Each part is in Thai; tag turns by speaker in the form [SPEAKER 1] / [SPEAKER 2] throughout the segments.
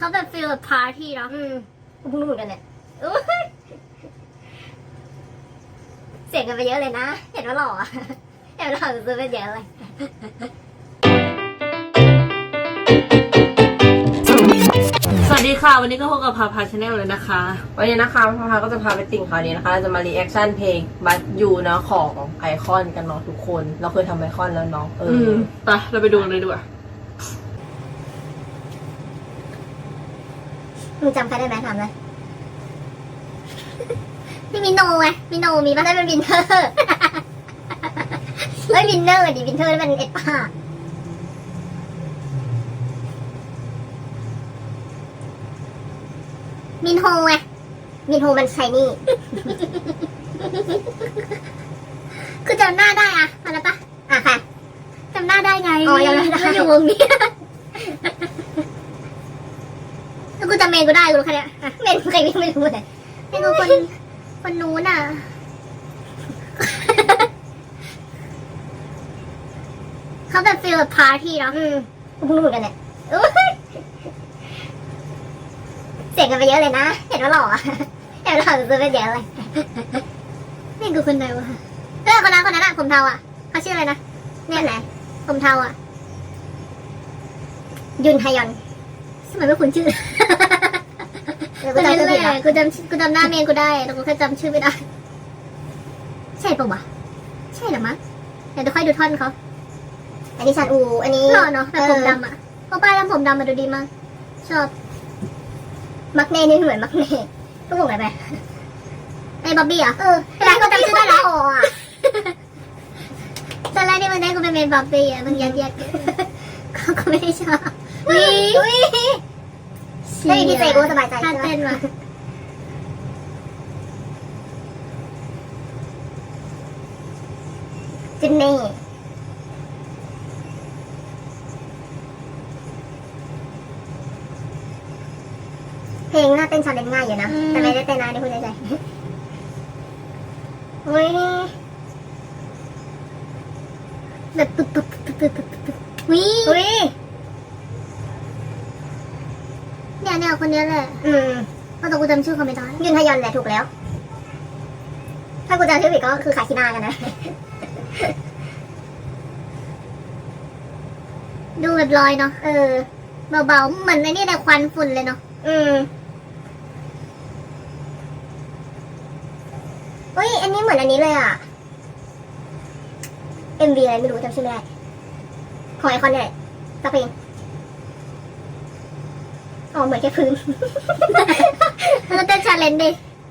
[SPEAKER 1] เขาแบบฟีลแบบพาร์ตี้เนาะกูเพิ่งรู้เหมือนกันเนี่ยอุ๊ยเสียงกันไปเยอะเลยนะ เห็นว่าหล่ออะเห็นว่าหล่อซื้อไปเยอะเลย
[SPEAKER 2] สวัสดีค่ะวันนี้ก็พบกับพาพาชาแนลเลยนะคะ
[SPEAKER 3] วันนี้นะคะพาพาก็จะพาไปติ่งข่าวนี้นะคะเราจะมารีแอคชั่นเพลงบัตยูเนาะของไอคอนกันเนาะทุกคนเราเคยทำไอคอนแล้วเนาะ
[SPEAKER 2] ไปเราไปดูกันเลยดีกว่า
[SPEAKER 1] มึงจำใครได้ไหมถามเลยพี่มิโนไงมิโนมีป่ะได้เป็นวินเทอร์เฮ้ยวินเนอร์ดิวินเทอร์มันเอ็ดป้ามินโฮไงมินโฮมันชายนี่ คือจำหน้าได้อะมาแล้วปะค่ะจำหน้าได้ไงอ๋อยังไม่ได้อยู่วงนี้แล้วกูจำเมนกูได้กูรู้แค่เนี้ยเมนใครไม่รู้เลยเมนกูคนนู้นอ่ะเขาแบบฟีลแบบพาร์ตี้เนาะกูเพิ่งรู้เหมือนกันเนี่ยอุ๊ยเสียงกันไปเยอะเลยนะเห็นว่าหล่ออะเห็นว่าหล่อซื้อไปเยอะเลยเมนกูคนไหนวะคนนั้นอะผมเทาอะเขาชื่ออะไรนะเนี่ยไหนผมเทาอะยุนไฮยอนทำไมไม่คุ้นชื่อกูจำชื่อไม่ได้กูจำหน้าเมนกูได้แต่กูแค่จำชื่อไม่ได้ใช่ปะวะใช่หรือมั้งเดี๋ยวค่อยดูท่อนเขาอันนี้ชันอูอันนี้หล่อเนาะแบบผมดำอะเพราะป้ายทำผมดำมาดูดีมากชอบมักเน่นี่เหมือนมักเน่ก็วงอะไรไปไอ้บ๊อบบี้อะแต่กูจำชื่อได้แล้วตอนแรกที่มันได้กูเป็นเมนบ๊อบบี้อะมันยัดเขาก็ไม่ได้ชอบวิได้ดีใจกูสบายใจท่าเต้นว่ะจินนี่เพลงน่าเต้นชาเลนจ์ง่ายอยู่นะแต่ไม่ได้เต้นนะนี่พูดใจอุ้ยแบบปึ๊บวิเนี่ยคนนี้แหละเพราะตัวกูจำชื่อเขาไม่ได้ยุนทยอนแหละถูกแล้วถ้ากูจำชื่อผิดก็คือขาคินากันนะดูแบบลอยเนาะเบาๆเหมือนไอ้นี่แต่ควันฝุ่นเลยเนาะอุ้ยอันนี้เหมือนอันนี้เลยอ่ะ MV อะไรไม่รู้จำชื่อไม่ได้ของไอคอนเนี่ยสักเพลงอ๋อเหมือนแค่พื้นแล้วเต้นชาเลนจ์ดิ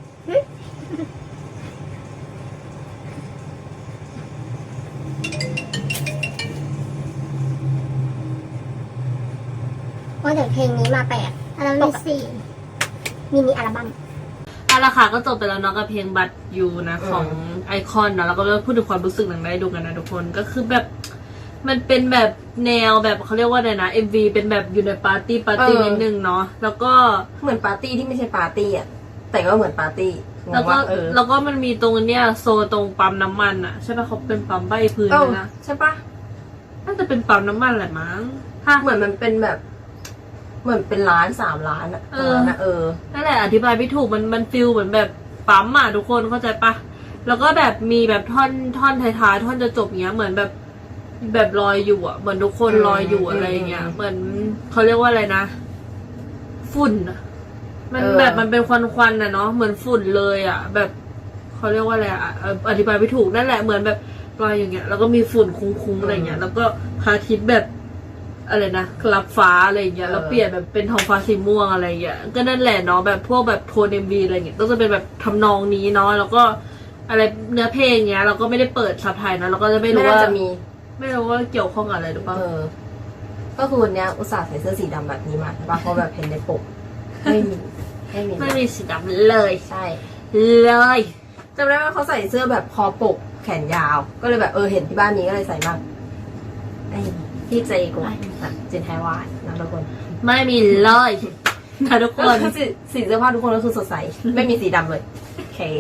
[SPEAKER 1] ว่าแต่เพลงนี้มาแปลกอัลบั้มที่4มินิอัลบั้ม
[SPEAKER 2] เอาละค่ะก็จบไปแล้วเนาะกับเพลงบัตยูนะของไอคอนเนาะแล้วก็พูดถึงความรู้สึกหนังได้ดูกันนะทุกคนก็คือแบบมันเป็นแบบแนวแบบเขาเรียกว่าอะไรนะ MV เป็นแบบอยู่ในปาร์ตี้นิดนึงเนาะแล้วก็
[SPEAKER 3] เหมือนปาร์ตี้ที่ไม่ใช่ปาร์ตี้อ่ะแต่ก็เหมือนปาร์ตี้
[SPEAKER 2] แล้วก็มันมีตรงเนี้ยโซนตรงปั๊มน้ำมันอ่ะใช่ป่ะเขาเป็นปั๊มใบพื้นนะ
[SPEAKER 3] ใช่ป่ะ
[SPEAKER 2] น่าจะเป็นปั๊มน้ำมันแหละมั้ง
[SPEAKER 3] เหมือนมันเป็นแบบเหมือนเป็นร้าน3 ร้านอ่ะ
[SPEAKER 2] นั่นแหละอธิบายไม่ถูกมันฟิลเหมือนแบบปั๊มอ่ะทุกคนเข้าใจปะแล้วก็แบบมีแบบท่อนท้ายๆท่อนจะจบเงี้ยเหมือนแบบลอยอยู่อ่ะเหมือนทุกคนลอยอยู่อะไรเงี้ยเหมือนเขาเรียกว่าอะไรนะฝุ่นมันแบบมันเป็นควันๆนะเนาะเหมือนฝุ่นเลยอ่ะแบบเขาเรียกว่าอะไรอ่ะอธิบายไม่ถูกนั่นแหละเหมือนแบบลอยอย่างเงี้ยแล้วก็มีฝุ่นคุ้งๆอะไรเงี้ยแล้วก็พระอาทิตย์แบบอะไรนะรับฟ้าอะไรเงี้ยแล้วเปลี่ยนแบบเป็นท้องฟ้าสีม่วงอะไรเงี้ยก็นั่นแหละเนาะแบบพวกแบบโทน MV อะไรเงี้ยก็จะเป็นแบบทำนองนี้เนาะแล้วก็อะไรเนื้อเพลงเงี้ยเราก็ไม่ได้เปิดซับไทยนะเราก็จะไม่รู้ว่าไม่รู้ว่าเกี่ยวข้องกับอะไรหรือเปล่า
[SPEAKER 3] ก็คือวันนี้อุตส่าห์ใส่เสื้อสีดำแบบนี้มาเพราะแบบเห็นในปก
[SPEAKER 2] ไม่มีสีดำเลย
[SPEAKER 3] ใช่
[SPEAKER 2] เลย
[SPEAKER 3] จำได้ว่าเขาใส่เสื้อแบบคอปกแขนยาวก็เลยแบบเห็นที่บ้านนี้ก็เลยใส่บ้างที่ใจกูเจนไทยวานนะทุกคน
[SPEAKER 2] ไม่มีเลยนะทุกคน
[SPEAKER 3] สีเสื้อผ้าทุกคนก็คือสดใสไม่มีสีดำเลยโอเค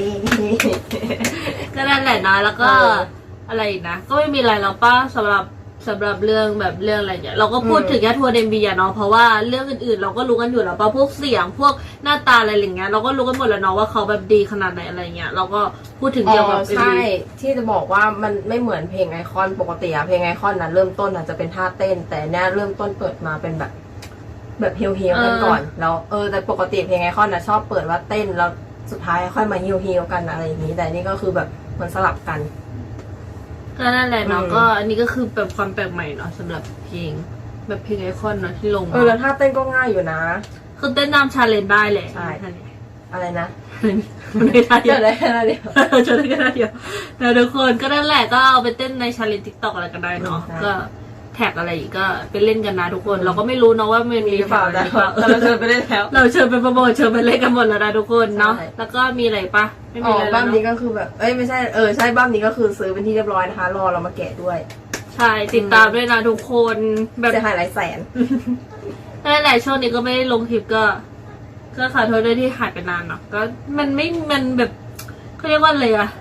[SPEAKER 2] ก็นั่นแหละนะแล้วก็อะไรนะก็ไม่มีอะไรแล้วป้าสำหรับสำหรับเรื่องแบบเรื่องอะไรเนี่ยเราก็พูดถึงแค่ทัวร์เดมบีอะเนาะเพราะว่าเรื่องอื่นๆเราก็รู้กันอยู่แล้วป่ะพวกเสียงพวกหน้าตาอะไรอย่างเงี้ยเราก็รู้กันหมดแล้วเนาะว่าเขาแบบดีขนาดไหนอะไรเงี้ยเราก็พูดถึงเกี่ยวกับ
[SPEAKER 3] ใช่ที่จะบอกว่ามันไม่เหมือนเพลงไอคอนปกติอะเพลงไอคอนนะเริ่มต้นอาจจะเป็นท่าเต้น แต่เนี่ยเริ่มต้นเปิดมาเป็นแบบเฮียวๆกันก่อนแล้วแต่ปกติเพลงไอคอนนะชอบเปิดว่าเต้นแล้วสุดท้ายค่อยมาเฮียวๆกันอะไรอย่างนี้แต่นี่ก็คือแบบมันสลับกัน
[SPEAKER 2] ก็นั่นแหละเนาะก็อันนี้ก็คือแบบความแปลกใหม่เนาะสำหรับเพลงแบบเพลงไอคอนเนาะที่ลง
[SPEAKER 3] แล้วท่าเต้นก็ง่ายอยู่นะ
[SPEAKER 2] คือเต้นตามชาเลนจ์ได้แหละ
[SPEAKER 3] ใช่ อะไรนะ
[SPEAKER 2] มันไม่ได้เดียว
[SPEAKER 3] ได้แค่นั้นเดียว
[SPEAKER 2] ชวนกันได้เดียวแต่ทุกคนก็นั่นแหละก็เอาไปเต้นในชาเลนจ์ทิกตอกอะไรก็ได้เนาะ
[SPEAKER 3] ใช่
[SPEAKER 2] ก็แท็กอะไรอีกก็ไปเล่นกันนะทุกคนเราก็ไม่รู้เนาะว่ามันมี
[SPEAKER 3] หรือเปล่า
[SPEAKER 2] แท็ก
[SPEAKER 3] แต่
[SPEAKER 2] อะไรหรือเปล่า
[SPEAKER 3] เราเชิญไปได้แล้ว
[SPEAKER 2] เราเชิญไปโปรโมทเชิญไปเล่นกันหมดแล้วนะทุกคนเนาะ
[SPEAKER 3] ใช่
[SPEAKER 2] แล้วก็มีอะไรปะไม่มีอะไรแล้ว
[SPEAKER 3] บ้ามนี้
[SPEAKER 2] เนาะ
[SPEAKER 3] ก็คือแบบไม่ใช่ใช่บ้ามนี้ก็คือซื้อเป็นที่เรียบร้อยนะคะรอเรามาแกะด้วย
[SPEAKER 2] ใช่ติดตามด้วยนะทุกคนแบบ
[SPEAKER 3] จะหายหลายแสน
[SPEAKER 2] นั่นแหละช่วงนี้ก็ไม่ได้ลงคลิปก็ขอโทษด้วยที่หายไปนานเนาะก็มันแบบเขาเรียกว่าอะไรอะ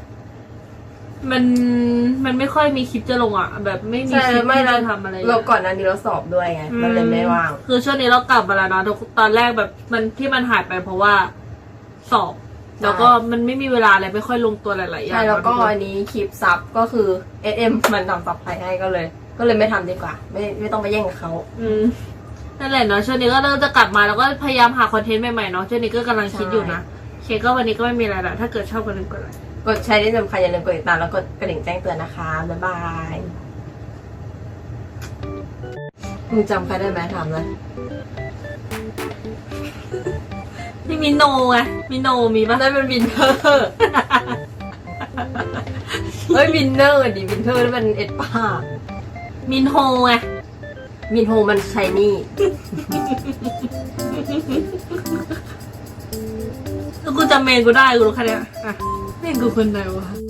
[SPEAKER 2] มันไม่ค่อยมีคลิปจะลงอะแบบไม่มี
[SPEAKER 3] ใช่
[SPEAKER 2] คลิป
[SPEAKER 3] ไม่
[SPEAKER 2] ที่
[SPEAKER 3] เรา
[SPEAKER 2] จะทำอะไร
[SPEAKER 3] เราก่อนหนั้นนี้เราสอบด้วยไงมันเลยไม่ว่าง
[SPEAKER 2] คือช่วงนี้เรากลับมาแล้วเนาะตอนแรกแบบมันที่มันหายไปเพราะว่าสอบ แล้วก็มันไม่มีเวลาอะไรไม่ค่อยลงตัวหลายๆอย่าง
[SPEAKER 3] ใช่แล้วก็
[SPEAKER 2] เนาะ
[SPEAKER 3] อันนี้คลิปซับก็คือ SM มันทำซับให้ก็เลยไม่ทำดีกว่า ไม่ต้องไปแย่งกับเขา
[SPEAKER 2] นั่นแหละเนาะช่วงนี้ก็เริ่มจะกลับมาแล้วก็พยายามหาคอนเทนต์ใหม่ๆเนาะช่วงนี้ก็กำลังคิดอยู่นะโอเคก็วันนี้ก็ไม่มีอะไรละถ้าเกิดชอบก็ลืมกดไลค์
[SPEAKER 3] กดใช้ได้สำคัญอย่าลืมกดติดตามแล้วกดกระดิ่งแจ้งเตือนนะคะบ๊ายบายมึงจำใครได้ไหมถามเลย
[SPEAKER 2] นี่มีโนไงมีโนมีปะ
[SPEAKER 3] นั่นเป็นวินเทอร์ เฮ้ยวินเนอร์ดิวินเทอร์นั่นมันเอ็ดป้า
[SPEAKER 2] มินโฮไง
[SPEAKER 3] มินโฮมันชายนี่
[SPEAKER 2] แล้วกูจำเมนกูได้กูรู้แค่เนี้ยอ่ะเมนกูคนไหนวะ